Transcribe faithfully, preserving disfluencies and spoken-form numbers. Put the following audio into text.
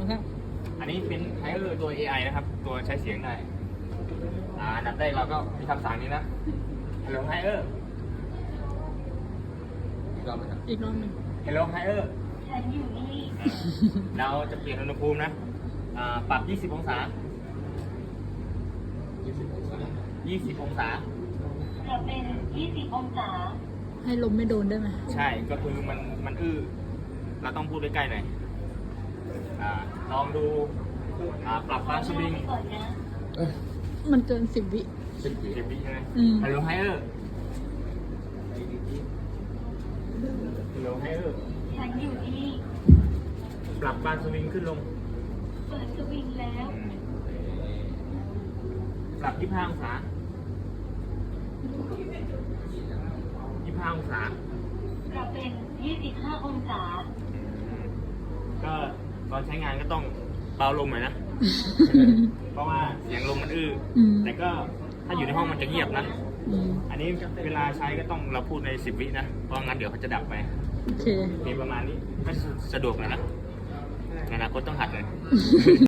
ครับอันนี้เป็นไฮเออร์ตัว เอ ไอ นะครับ ตัวใช้เสียงได้ อ่าอันดับแรกเราก็มีคำสั่งนี้นะ Hello Higher อีกรอบไหมครับอีกรอบหนึ่ง Hello Higher ฉันอยู่นี่อ่าเราจะเปลี่ยนอุณหภูมินะ อ่า ปรับ ยี่สิบ องศายี่สิบองศายี่สิบ องศาจะเป็นยี่สิบองศาให้ลมไม่โดนได้ไหมใช่ ก็คือมัน มันอื้อ เราต้องพูดใกล้ๆหน่อย อ่า ลองดู อ่า ปรับบางสวิงก่อนนะเอ้ยมันเกินสิบวิสิบวิเก็บวิใช่ไหมอืม Hello Higher Hello Higher ฉันอยู่นี่ปรับบานสวิงขึ้นลงเปิดสวิงแล้วปรับ ยี่สิบห้า องศา ยี่สิบห้า องศาจะเป็นยี่สิบห้าองศาก็ตอนใช้งานก็ต้องเบาลมหน่อยนะ เพราะว่าเสียงลมมันอื้ออมแต่ก็ถ้าอยู่ในห้องมันจะเงียบนะอืมอันนี้เวลาใช้ก็ต้องเราพูดในสิบวินะ เพราะงั้นเดี๋ยวเขาจะดับไปโอเคมีประมาณนี้ก็สะดวกหนะนะในอนาคตต้องหัดเลย